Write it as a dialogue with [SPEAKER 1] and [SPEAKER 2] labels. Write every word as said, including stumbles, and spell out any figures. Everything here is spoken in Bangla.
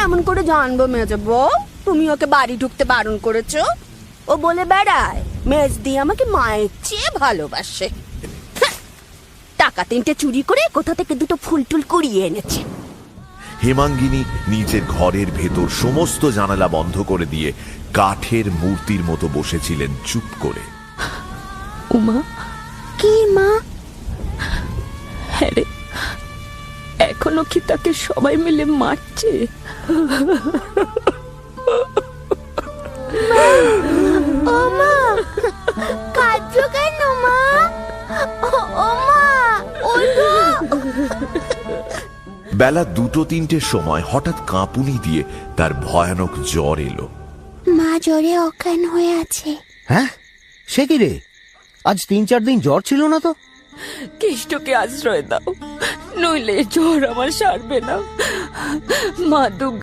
[SPEAKER 1] কেমন করে জানবো মেজো বউ তুমি ওকে বাড়ি ঢুকতে বারণ করেছো? ও বলে বেড়ায় মেজদি আমাকে মায়ের চেয়ে ভালোবাসে। টাকা তিনটে চুরি করে কোথা থেকে দুটো ফুল টুল কুড়িয়ে এনেছে।
[SPEAKER 2] হেমাঙ্গিনী নিজের ঘরের ভেতর সমস্ত জানালা বন্ধ করে দিয়ে কাঠের মূর্তির মতো বসেছিলেন চুপ করে।
[SPEAKER 3] উমা,
[SPEAKER 1] কি মা?
[SPEAKER 3] হ্যাঁ রে, এখনো কি তাকে সবাই মিলে মারছে?
[SPEAKER 1] ও মা, কাঁদছো কেন মা? ও মা, ওঠো।
[SPEAKER 2] বেলা দুটো তিনটের সময় হঠাৎ কাঁপুনি দিয়ে তার ভয়ানক জ্বর এলো।
[SPEAKER 1] মা জ্বরে অজ্ঞান হয়ে আছে।
[SPEAKER 4] হ্যাঁ, সে কি রে? আজ তিন চার দিন জ্বর ছিল না তো।
[SPEAKER 3] কেষ্টকে আশ্রয় দাও, নইলে জ্বর আমার সারবে না। মা দুর্গা